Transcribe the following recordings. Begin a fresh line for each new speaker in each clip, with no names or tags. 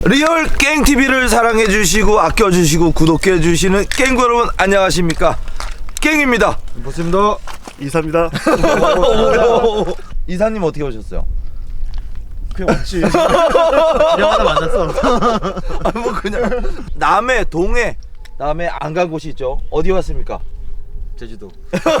리얼 깽TV를 사랑해주시고 아껴주시고 구독해주시는 깽구 여러분 안녕하십니까, 깽입니다.
반갑습니다. 이사입니다.
이사님 어떻게 오셨어요?
그냥 왔지. 지나가다 만났어.
뭐 그냥 남해, 동해, 남해 안 간 곳이 있죠. 어디 왔습니까?
제주도.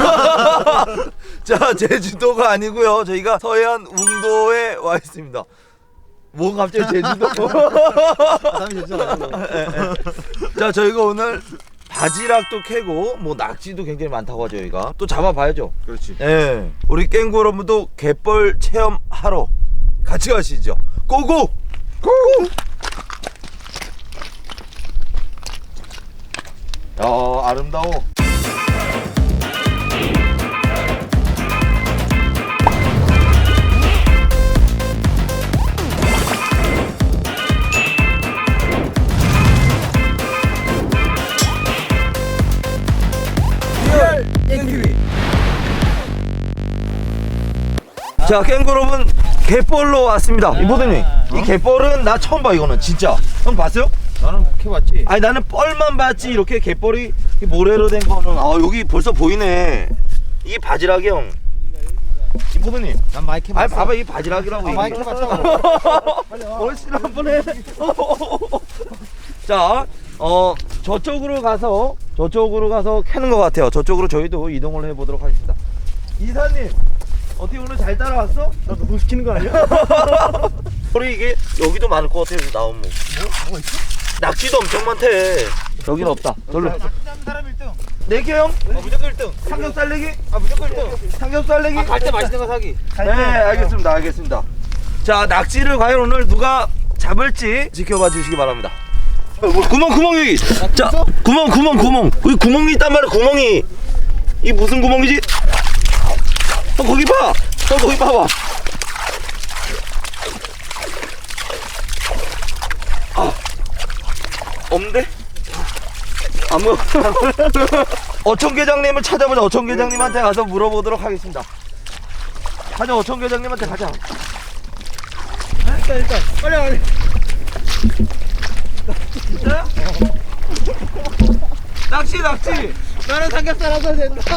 자, 제주도가 아니고요, 저희가 서해안 웅도에 와 있습니다. 뭐 갑자기 제주도?
사람이 제주도 아니고.
자, 저희가 오늘 바지락도 캐고 뭐 낙지도 굉장히 많다고 하죠. 저희가 또 잡아봐야죠.
그렇지.
예, 우리 깽구 여러분도 갯벌 체험하러 같이 가시죠. 고고! 고고! 야, 아름다워. 자, 깽구 여러분, 갯벌로 왔습니다. 이보드님, 이 갯벌은 나 처음 봐. 이거는 진짜. 형 봤어요?
나는 캐봤지.
아니, 나는 뻘만 봤지 이렇게 갯벌이 모래로 된 거는. 아, 여기 벌써 보이네. 이게 바지락이 형. 이보드님,
난 많이 캐봤어.
아니 봐봐, 이 바지락이라고. 이게.
많이 캐봤잖아.
얼씬 한번 해. 자, 저쪽으로 가서 캐는 것 같아요. 저쪽으로 저희도 이동을 해보도록 하겠습니다. 이사님, 어떻게 오늘 잘 따라왔어?
나 노동시키는 거 아니야?
우리 이게 여기도 많을 것 같아요. 나오면
뭐가 있어?
낙지도 엄청 많대. 여기는 없다. 별로.
사람 1등.
내게 형?
무조건 1등.
삼겹살 내기?
무조건 1등.
삼겹살 내기?
갈 때 맛있는 거 사기.
네, 알겠습니다. 자, 낙지를 과연 오늘 누가 잡을지 지켜봐 주시기 바랍니다. 구멍 여기. 자, 구멍. 여기 구멍이 있단 말이야. 구멍이. 이 무슨 구멍이지? 거기 봐. 거기 봐봐. 아, 없는데? 아무. 어촌계장님을 찾아보자. 어촌계장님한테 가서 물어보도록 하겠습니다. 가자, 어촌계장님한테 가자.
일단 빨리.
진짜야? 낚시.
나는 삼겹살 하자 된다.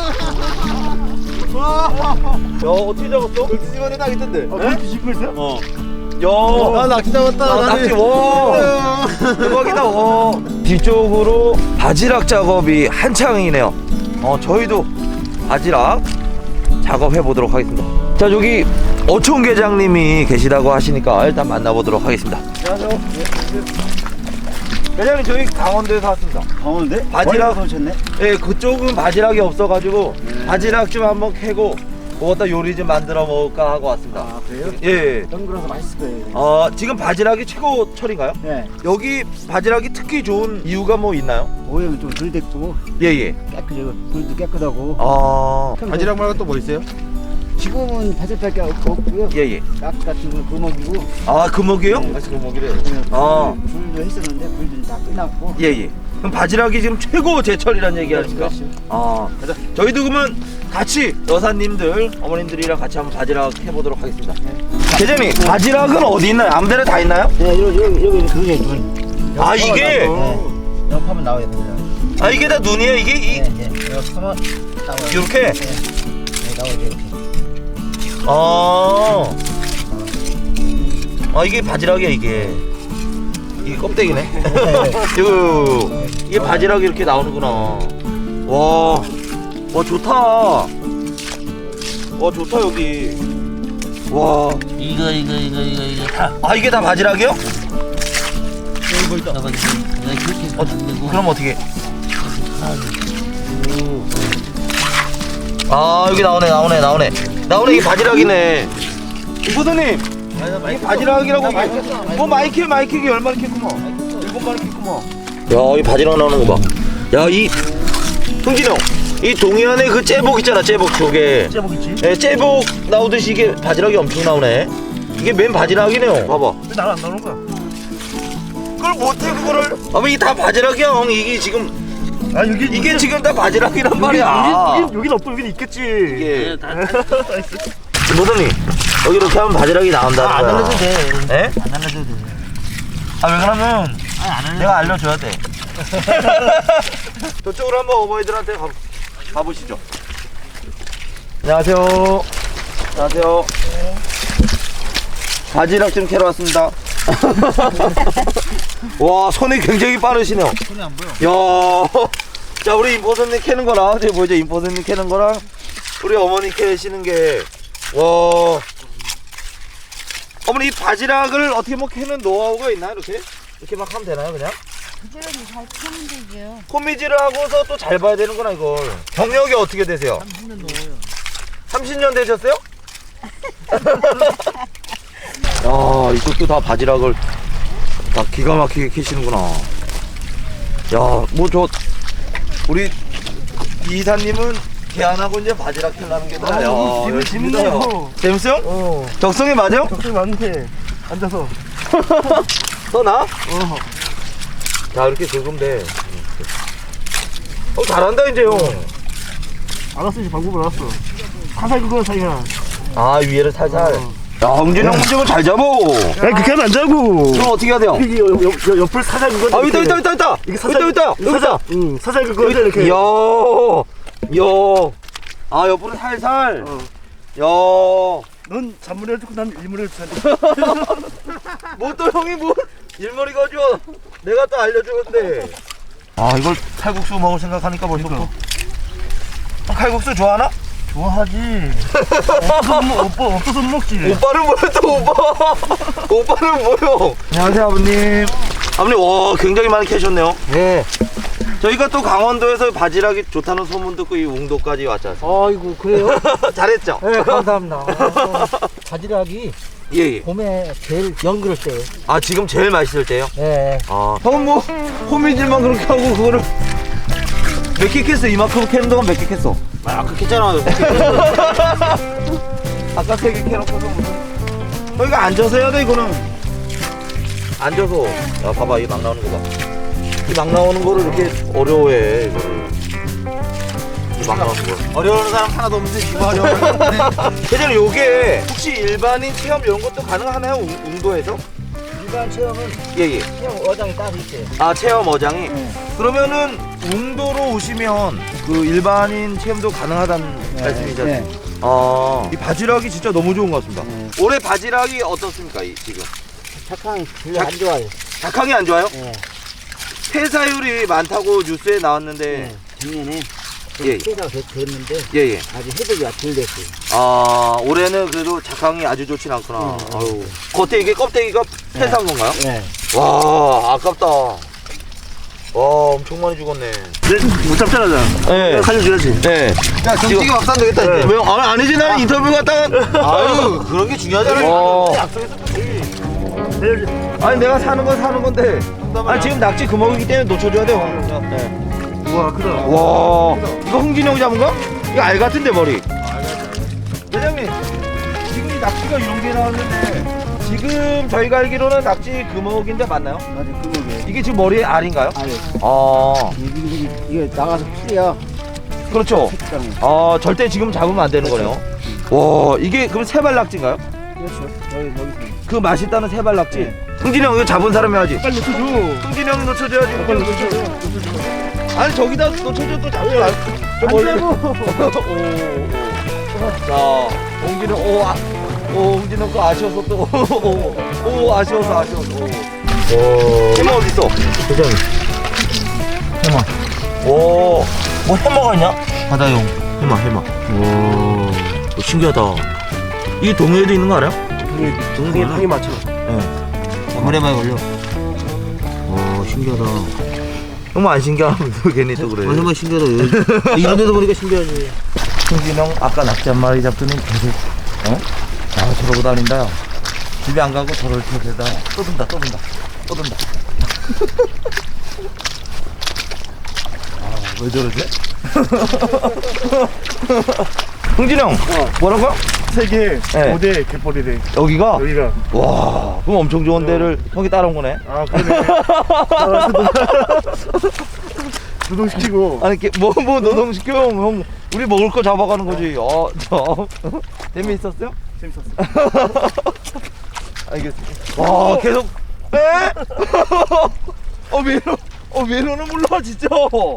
야, 어떻게 잡았어?
뒤집어내 딱 있던데.
네?
뒤집고 있어?
야,
나 낚시 잡았다.
낚시. 와, 대박이다. 와. 뒤쪽으로 바지락 작업이 한창이네요. 저희도 바지락 작업해 보도록 하겠습니다. 자, 여기 어촌계장님이 계시다고 하시니까 일단 만나보도록 하겠습니다.
안녕하세요.
계장님, 저희 강원도에서 왔습니다.
강원도인데?
바지락
오셨네?
예, 그쪽은 바지락이 없어가지고 바지락 좀 한번 캐고 그거다 요리 좀 만들어 먹을까 하고 왔습니다.
아, 그래요?
예.
덩그러서 맛있을 거예요.
지금 바지락이 최고철인가요?
네.
여기 바지락이 특히 좋은 이유가 뭐 있나요?
모양은 좀 덜 됐고
예예.
깨끗하고 물도 깨끗하고.
바지락 말고 또 뭐 있어요?
지금은 바지락밖에 없고요.
예예.
깍 같은 건 금옥이고.
아, 금어기요?
네.
맛있는 금어기래.
아.
아.
불도 했었는데 불도 다 끝났고.
예예. 그럼 바지락이 지금 최고 제철이란 얘기 아닙니까?
그렇죠.
가자. 저희도 그러면 같이 여사님들, 어머님들이랑 같이 한번 바지락 해보도록 하겠습니다. 계장님, 바지락은 어디 있나요? 아무데나 다 있나요?
네, 여기 그게 눈.
아, 이게?
옆하면 나와야 됩니다.
아, 이게 다 눈이에요? 이게?
네. 옆하면 나와요.
이렇게?
네, 나와야 이렇게.
이게 바지락이야. 이게 껍데기네. 이게 바지락이 이렇게 나오는구나. 와 좋다. 와, 좋다 여기. 와,
이거 다
이게 다 바지락이요?
여기 있다. 내가 그렇게 만들고
그럼 어떻게? 여기 나오네. 이게 바지락이네. 이보드님, 이게 바지락이라고. 뭐 마이크 얼마나 캤구먼. 7마리 캤구먼. 야, 이 바지락 나오는 거 봐. 야, 이 흥진이 형, 이 동해안에 그 째복 있잖아. 째복 조개.
째복 있지?
예, 째복 나오듯이 이게 바지락이 엄청 나오네. 이게 맨 바지락이네요. 봐봐.
왜 나는 안 나오는 거야?
그걸 못해 그거를. 이게 다 바지락이야 형. 이게 지금 이게 지금 다 바지락이란 말이야.
여긴 없고 여긴 있겠지.
이게 노동님, 여기 이렇게 하면 바지락이 나온다는 거야.
안 날려도 돼.
예?
안 날려도 돼.
아, 왜 그러면 내가 알려줘야 돼. 저쪽으로 한번 어머니들한테 가보시죠. 안녕하세요. 안녕하세요. 바지락 좀 캐러 왔습니다. 와, 손이 굉장히 빠르시네요.
손이 안 보여.
야, 자, 우리 임포선님 캐는 거랑 저기 보이죠? 임포선님 캐는 거랑 우리 어머니 캐시는 게, 와. 어머니 이 바지락을 어떻게 뭐 캐는 노하우가 있나요? 이렇게 막 하면 되나요, 그냥?
부지런히 잘 캐면 되죠.
콤미지를 하고서 또 잘 봐야 되는구나, 이걸. 경력이 어떻게 되세요?
30년 넘어요.
30년 되셨어요? 야, 이것도 다 바지락을 다 기가 막히게 캐시는구나. 야, 뭐 우리 이사님은 개 안 하고 이제 바지락 캐려는 게 나야.
재밌네요.
재밌어요? 적성이 맞아요?
적성이 맞는데 앉아서.
더 나? 자, 이렇게 긁으면 돼. 잘한다, 이제 형.
알았어, 이제 방법을 알았어. 화살 그거 사이야.
아, 위에를 살살. 야, 홍진이 형 문제는 잘 잡어.
야, 그렇게 하면 안 자고.
그럼 어떻게 해야 돼요?
이게 옆을 사살 그거.
아, 있다.
이게 사살.
있다. 여기다.
응, 사살 그거 이렇게.
이야. 아, 옆으로 살살. 야.
넌 잔물을 듣고 난 일물을 듣는데.
뭐 또 형이 뭐 일머리 가져. 내가 또 알려주는데. 아, 이걸 칼국수 먹을 생각하니까 벌써부터. 형 칼국수 좋아하나?
좋아하지. 없어서 못 먹지.
오빠는 뭐야 또 오빠. 오빠는 뭐요? 안녕하세요 아버님. 아버님 와 굉장히 많이 캐셨네요.
네.
저희가 또 강원도에서 바지락이 좋다는 소문 듣고 이 웅도까지 왔지 않습니까?
아이고 그래요?
잘했죠?
네 감사합니다. 바지락이
예.
봄에 제일 연그럴 때예요.
아 지금 제일 맛있을 때요?
네.
아 형은 뭐 호미질만 그렇게 하고 그거를 몇 개 캤어? 이만큼 캐는 동안 몇 개 캤어?
아까 했잖아.
아까 3개 캐놓고서 무슨 이거 앉아서 해야 돼 이거는. 앉아서. 야 봐봐 이 막 나오는 거 봐. 이 막 나오는 거를 이렇게 어려워해 이거를. 이 막 나오는 거
어려운 사람 하나도 없는데 이거 어려워.
대장님 요게 혹시 일반인 체험 이런 것도 가능하나요? 웅도에서?
일반 체험은
예예.
체험 어장이 따로 있어요.
아 체험 어장이? 그러면은 웅도로 오시면 그 일반인 체험도 가능하다는 말씀이죠?
네.
아, 이 바지락이 진짜 너무 좋은 것 같습니다. 올해 바지락이 어떻습니까 지금?
착항이 별로 안 좋아요.
작황이 안 좋아요?
네.
폐사율이 많다고 뉴스에 나왔는데
네. 작년에
예.
퇴사가 됐는데
예예.
아직 해독이 덜 됐어요.
아 올해는 그래도 작황이 아주 좋진 않구나. 아유. 겉에 이게 껍데기가 폐사한 건가요?
네.
와 아깝다. 와 엄청 많이 죽었네.
못 잡잖아, 나.
네.
살려줘야지.
네.
야,
경기가 없단 되겠다 이제. 왜? 아니지 나는 인터뷰 갔다가. 아유 그런 게 중요하잖아요. 아니 내가 사는 건 사는 건데. 아니 지금 낙지 금어이기 때문에 놓쳐줘야 돼요. 네.
우와, 크다.
와 이거 흥진이 형이 잡은 거? 이거 알 같은데 머리. 회장님 지금 이 낙지가 이런 게 나왔는데 지금 저희가 알기로는 낙지 금어기인데 맞나요?
맞아, 그거게.
이게 지금 머리에 알인가요?
아니,
아
이게 나가서 풀이야.
그렇죠.
색깔은.
아 절대 지금 잡으면 안 되는 거네요. 와 이게 그럼 세발 낙지인가요?
그렇죠. 여기.
그 맛있다는 세발 낙지. 흥진이 형 이거 잡은 사람이 하지.
빨리 놓쳐줘.
흥진이 형이 놓쳐줘야지.
빨리 놓쳐줘.
아니 저기다 놓쳐줘 또 잡지 말. 저 멀리. 자, 홍진이 홍진이 형 거 아쉬워서 또. 아쉬워서. 해마 어디 있어? 대장님. 해마. 오, 뭐 해마가 있냐? 바다용 해마. 오, 신기하다. 이 동해에도 있는 거 알아요?
동생이 방에 맞춰.
네. 해마에 걸려. 오, 신기하다. 너무 안 신기하면 괜히 또 그래.
얼마나 신기하다. 이런 데도 보니까 신기하지.
승진이 형 아까 낙지 한 마리 잡더니 계속 저러고 다닌다. 야. 집에 안 가고 저럴 때다 떠든다. 왜 저러지? 흥진이 형 뭐라고요?
세계
네.
5대 갯벌이래.
여기가?
여기가.
와 그럼 엄청 좋은 데를 형이 따라온 거네.
아, 그러네. 노동시키고.
아니 뭐 노동시켜 형 우리 먹을 거 잡아가는 거지. 재미있었어요?
재밌었어.
알겠습니다. 와 계속 에? 외로는 몰라 진짜.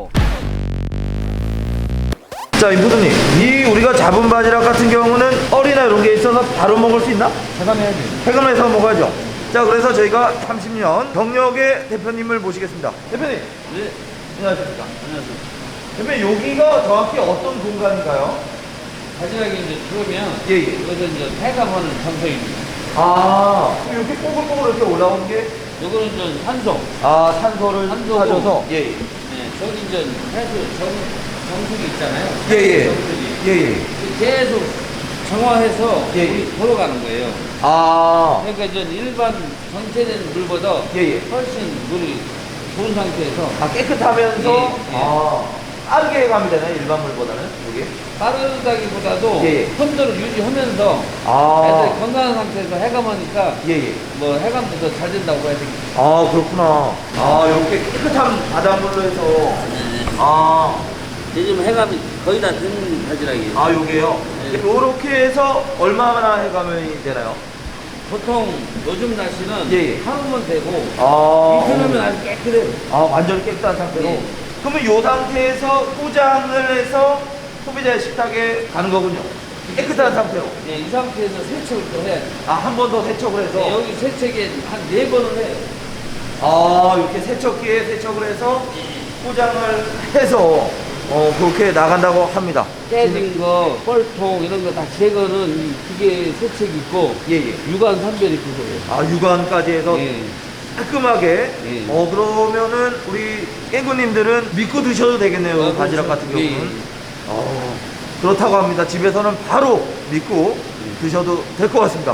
자, 임포드님, 이 우리가 잡은 바지락 같은 경우는 얼이나 이런 게 있어서 바로 먹을 수 있나?
해감해야지.
해감해서 먹어야죠. 자, 그래서 저희가 30년 경력의 대표님을 모시겠습니다. 대표님.
네.
안녕하십니까.
안녕하세요.
대표님, 여기가 정확히 어떤 공간인가요?
바지락이 이제 들어오면
예, 예.
이것은 이제 해감하는 장소입니다.
아, 그럼 이렇게 뽀글뽀글 이렇게 올라온 게,
요거는 이제 산소.
아, 산소를
산소고.
가져서, 예, 예.
네, 저기 이제 해수 정수기 있잖아요.
예, 예.
정수기.
예, 예.
계속 정화해서
예, 예.
물이 돌아가는 거예요.
아,
그러니까 이제 일반 정체된 물보다
예, 예.
훨씬 물이 좋은 상태에서
아, 깨끗하면서,
예, 예.
아, 빠르게 해감이 되나요? 일반 물보다는? 여기?
빠르다기보다도
예, 예.
혼도를 유지하면서
아,
애들 건강한 상태에서 해감하니까
예, 예.
뭐 해감도 더 잘 된다고 해야 되겠죠.
아, 그렇구나. 아, 이렇게 깨끗한 바닷물로 해서, 아,
요즘 해감이 거의 다 된 바지락이에요.
아, 요게요?
네.
요렇게 해서 얼마나 해감이 되나요?
보통 요즘 날씨는
예, 예.
하루면 되고
아,
이틀이면 아주 깨끗해요.
아, 완전히 깨끗한 상태로?
예.
그러면 요 상태에서 포장을 해서 소비자의 식탁에 가는 거군요. 깨끗한 상태로.
네, 이 상태에서 세척을 또 해야 돼요.
아, 한 번 더 세척을 해서.
네, 여기 세척에 한 4번을 해요.
아, 이렇게 세척기에 세척을 해서 포장을 해서 그렇게 나간다고 합니다.
깨진 거, 뻘통 이런 거 다 제거는 이 기계 세척이 있고
예, 예.
유관 선별이 있고 그래요.
아, 육안까지 해서
예.
깔끔하게.
예.
그러면은 우리 깽구님들은 믿고 드셔도 되겠네요.
아,
바지락
그렇죠.
같은 경우는.
예.
그렇다고 합니다. 집에서는 바로 믿고 드셔도 될 것 같습니다.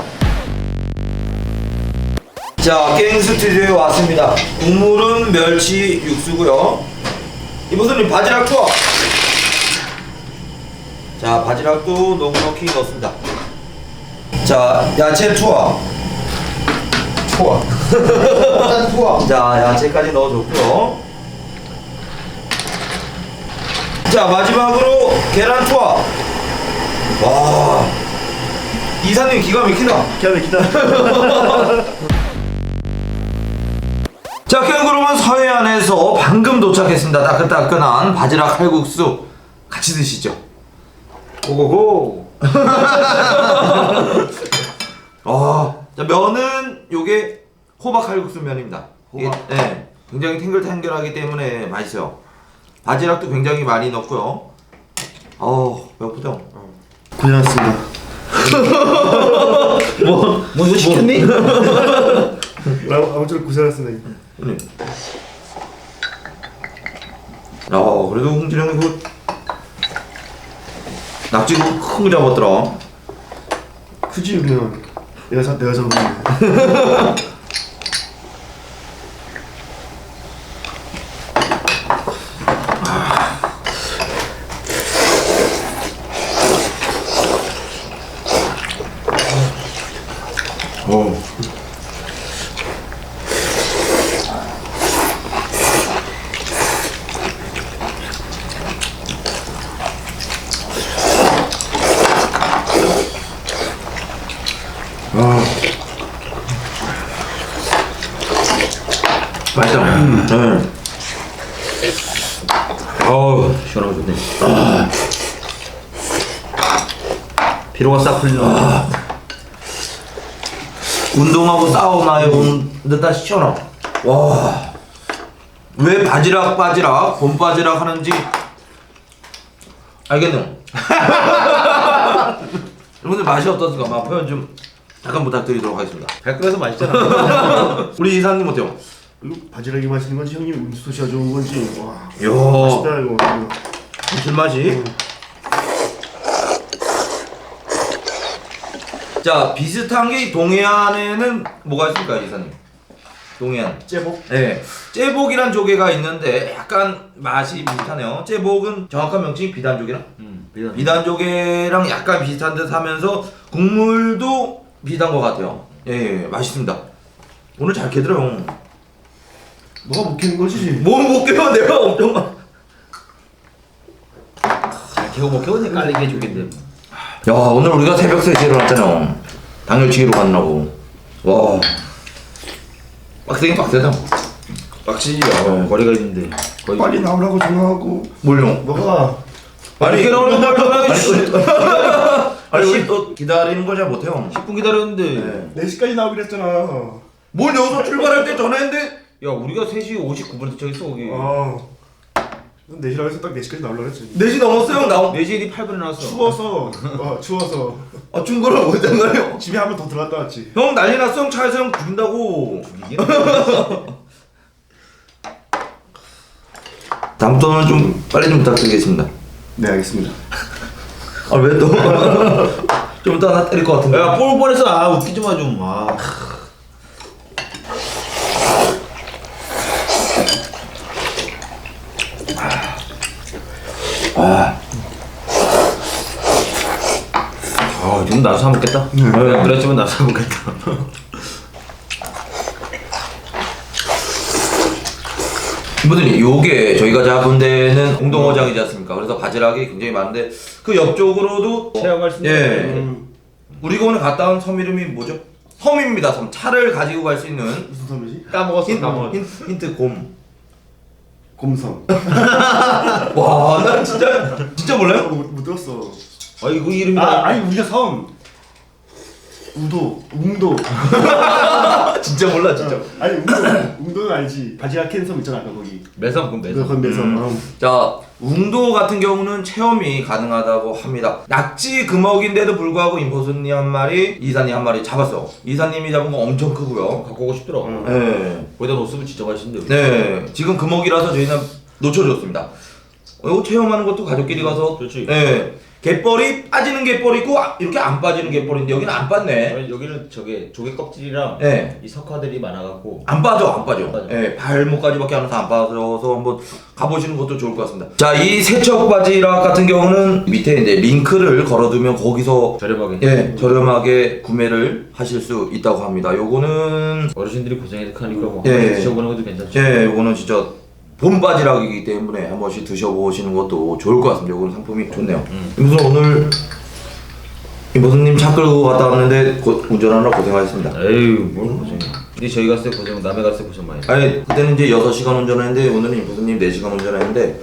자, 깽 스튜디오에 왔습니다. 국물은 멸치 육수고요. 이보선님, 바지락 투하. 자, 바지락도 넉넉히 넣습니다. 자, 야채 투하.
일단 투하.
자, 야채까지 넣어줬고요. 자, 마지막으로 계란 투하. 와, 이사님 기가 막히다.
기가 막히다.
자, 캥거루는 서해안에서 방금 도착했습니다. 따끈따끈한 바지락 칼국수 같이 드시죠. 고고고. 자, 면은 요게 호박 칼국수 면입니다. 이게, 네, 굉장히 탱글탱글하기 때문에 맛있어요. 바지락도 굉장히 많이 넣고요. 배고프죠?
고생하셨습니다.
뭐 이거 시켰니?
아무쪼록 고생하셨습니다.
네. 그래도 홍진이 형이 그 낙지 큰 거 잡았더라.
크지 우리는. 내가 잡은 건데.
맛있다. 네. 시원하고 좋네. 피로가 싹 풀리는 것 같아. 운동하고 사우나에 온 듯한 시원함. 와, 왜 바지락 봄바지락 하는지 알겠네요. 여러분들 맛이 어떻습니까? 막 표현 좀 잠깐 부탁드리도록 하겠습니다.
발끈해서 맛있잖아.
우리 이사님 어때요?
이거 바지락이 맛있는 건지 형님 음수소시가 좋은 건지. 와.
이야,
맛있다 이거.
감칠맛이. 자, 비슷한 게 동해안에는 뭐가 있을까요, 이사님? 동해안.
째복.
네, 째복이란 조개가 있는데 약간 맛이 비슷하네요. 째복은 정확한 명칭이 비단조개랑? 비단조개랑 약간 비슷한 듯 하면서 국물도 비슷한 것 같아요. 예, 맛있습니다. 오늘 잘 캐더라요.
너가 못 캐는 거지?
뭘 못 깨워, 내가 엄청 많아.
개고 못 개고니까 깔리게 해주겠는데.
야, 오늘 우리가 새벽 3시에 일어났잖아요. 당일치기로 가느라고. 와. 빡세긴 빡세다.
빡치지. 거리가 있는데. 거의
빨리 나오라고 전화하고.
뭘요?
뭐가?
아니
이렇게 나오는 걸 전화하기
아니 우리 또 기다리는 걸 잘 못해요.
10분 기다렸는데.
4시까지 나오기로 했잖아.
뭘 여기서 출발할 때 전화했는데?
야 우리가 3시 59분에 저기 거기.
어. 4시라고 해서 딱 4시까지 나오려고 했지.
4시 넘었어요 나온.
4시 8분에 나왔어.
추워서. 추워서.
아 충고를 못한 거예요.
집에 한 번 더 들어갔다 왔지.
형 난리 났어. 형 차에서 형 죽인다고. 다음부터는 좀 빨리 좀 부탁드리겠습니다.
네, 알겠습니다.
아 왜 또? 좀 이따 나 때릴 것 같은데.
야 볼 뻔했어. 아 웃기지 마 좀. 아. 아, 지금 나도 사 먹겠다. 그랬지만 나도 사 먹겠다.
이분들이 요게 저희가 잡은 데는 공동어장이지 않습니까? 그래서 바지락이 굉장히 많은데 그 옆쪽으로도
체험할 수 있는.
예. 우리가 오늘 갔다 온 섬 이름이 뭐죠? 섬입니다. 섬. 차를 가지고 갈 수 있는
무슨 섬이지?
까먹었어. 까먹었어.
힌트 곰.
곰섬.
와, 난 진짜 몰라요?
못 들었어.
아 이거 이름이
아니 우리가 섬. 웅도.
진짜 몰라, 진짜.
아니 웅도는 알지. 바지락 캔 섬 있잖아, 아까 거기.
매섬 그럼 매섬.
거기 매섬.
자, 웅도 같은 경우는 체험이 가능하다고 합니다. 낙지 금어기인데도 불구하고 임포수님 한 마리, 이사님 한 마리 잡았어. 이사님이 잡은 거 엄청 크고요.
갖고 오고 싶더라.
네.
거기다 넣었으면 진짜 맛있는데.
네. 지금 금어기라서 저희는 놓쳐줬습니다. 이거 체험하는 것도 가족끼리 가서.
그렇지.
네. 갯벌이 빠지는 갯벌이 있고 이렇게 안 빠지는 갯벌인데 여기는 안 빠네.
여기는 저게 조개 껍질이랑
네.
이 석화들이 많아갖고
안 빠져.
빠져.
예, 발목까지밖에 안 와서 안 빠져서 한번 가보시는 것도 좋을 것 같습니다. 자, 이 세척 바지락 같은 경우는 밑에 이제 링크를 걸어두면 거기서
저렴하게.
예, 저렴하게 구매를 하실 수 있다고 합니다. 요거는
어르신들이 고생하니까 뭐
예.
한번 드셔보는 것도 괜찮죠.
예, 요거는 진짜 봄 바지락이기 때문에 한 번씩 드셔보시는 것도 좋을 것 같습니다. 요거는 상품이 좋네요. 무슨 오늘 임보수님 차 끌고 갔다 왔는데 운전하느라 고생하셨습니다.
에휴 뭘 고생해. 근데 저희 갔을 때 고생, 남해 갔을 때 고생 많이 했어.
아니 그때는 이제 6시간 운전했는데 오늘은 임보수님 4시간 운전했는데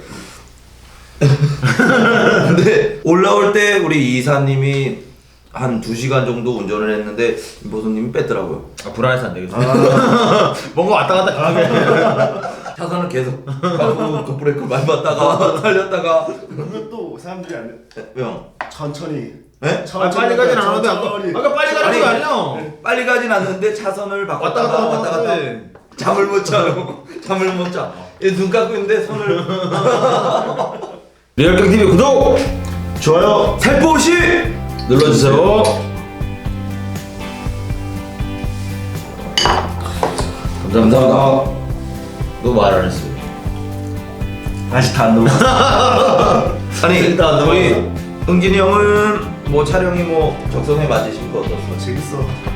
근데 올라올 때 우리 이사님이 한 2시간 정도 운전을 했는데 임보수님이 뺐더라고요.
아 불안해서 안 되겠어. 뭔가 왔다 갔다 강하게.
차선을 계속 가고 급브레이크 많이 받다가 달렸다가
그러면 또 사람들이 안 돼.
왜요?
천천히.
네?
아, 빨리 가진 않았는데 아까 빨리 가는 거 아니야?
빨리 가진 않는데 차선을 바꿨다가 왔다 갔다 잠을 못 자요. 잠을 못 자. 눈 감고 있는데 손을
리얼경 TV 구독
좋아요.
살포시
눌러주세요. 감사합니다. 너 말 안 했어.
아직 다 안 넘어갔어.
아니
일단 안
우리 은gin이 형은 뭐 촬영이 뭐 적성에 맞으신 거 어떻어?
재밌어.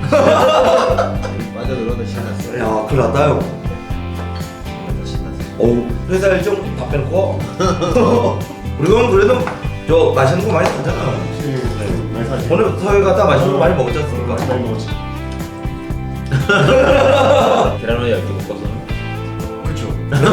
맞아 너는 신났어.
야 큰일 났다 형.
신났어.
어우 회사 일정 다 빼놓고 우리 형 그래도 저 맛있는 거 많이 사잖아.
많이 사지.
오늘 서해 갔다 맛있는 거 많이 먹었지 않습니까?
많이 먹었지.
계란을 얇게 먹어서.
그렇죠.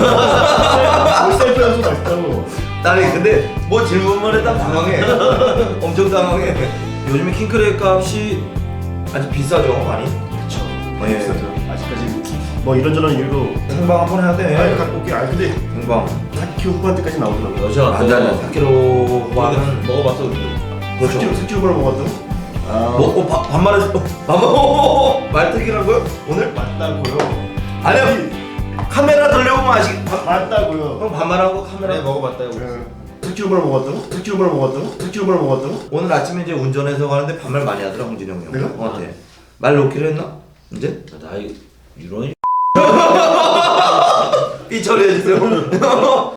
셀프 연수 맛있다고.
아니 근데 뭐 질문만 해도 당황해. 엄청 당황해. 요즘에 킹크랩 값이 아주 비싸죠 많이.
그렇죠.
예.
비싸죠. 아직까지 뭐 이런저런 이유로.
생방 한번 해야 돼.
아니 갖고 올게. 아니 근데
생방.
4kg 후반대까지 나오더라고.
러시아 갔다.
완전 4kg 후반은
먹어봤어 우리.
그렇죠.
4kg 후반을 먹었다고? 아.
뭐 반말해 말특이라고요? 오늘?
맞다고요.
아니요. 카메라 돌려보면
맞다고요.
형 반말하고 카메라.
먹어봤다 이거.
4kg 후반을 먹었다고? 4kg 후반을 먹었다고? 4kg 후반을 먹었다고?
오늘 아침에 이제 운전해서 가는데 반말 많이 하더라 홍진이 형이.
내가?
형한테 말 놓기로 했나? 이제?
나이 이런
삐 처리해주세요.